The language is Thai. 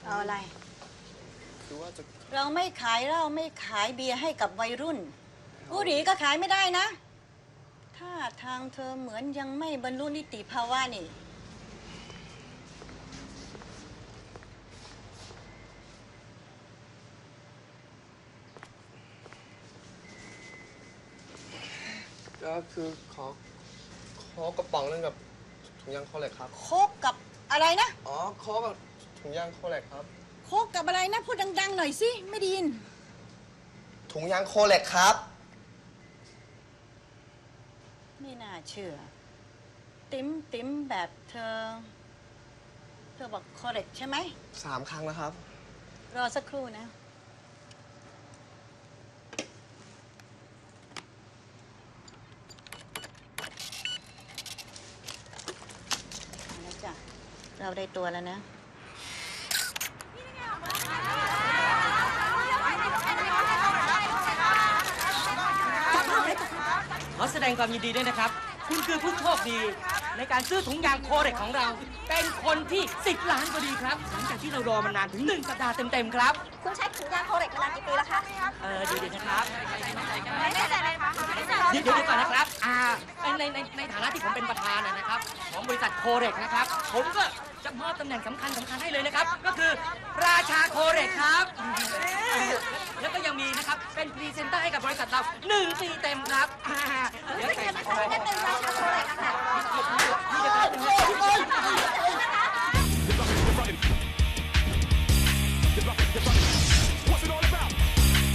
เอาอะไรคือว่าจะเราไม่ขายเหล้าไม่ขายเบียร์ให้กับวัยรุ่นบุหรี่ก็ขายไม่ได้นะถ้าทางเธอเหมือนยังไม่บรรลุนิติภาวะนี่ก็คือขอกระป๋องนึงกับถุงยางโคเล็กครับโคกกับอะไรนะอ๋อขอกับถุงยางโคเล็กครับโคกกับอะไรนะพูดดังๆหน่อยสิไม่ได้ยินถุงยางโคเล็กครับไม่น่าเชื่อติ๋มแบบเธอบอกคอเรกใช่ไหม 3 ครั้งแล้วครับรอสักครู่นะแล้วจ้ะเราได้ตัวแล้วนะขอแสดงความยินดีด้วยนะครับคุณคือผู้โชคดีในการซื้อถุงยางโคเร็กของเราเป็นคนที่10 ล้านพอดีครับหลังจากที่เรารอมานานถึง1 สัปดาห์เต็มๆครับคุณใช้ถุงยางโคเร็กมานานกี่ปีแล้วคะเดี๋ยวนะครับไม่แน่ใจเลยคะเดี๋ยวก่อนนะครับในฐานะที่ผมเป็นประธานนะครับของบริษัทโคเร็กนะครับผมก็จะมอบตำแหน่งสำคัญให้เลยนะครับก็คือราชาโคเร็กครับแล้วก็ยังมีนะครับเป็นพรีเซนเตอร์ให้กับบริษัทเรา1 ปีเต็มครับไม่เคยมาใช้ได้เป็นราชาโคเร็กอะค่ะ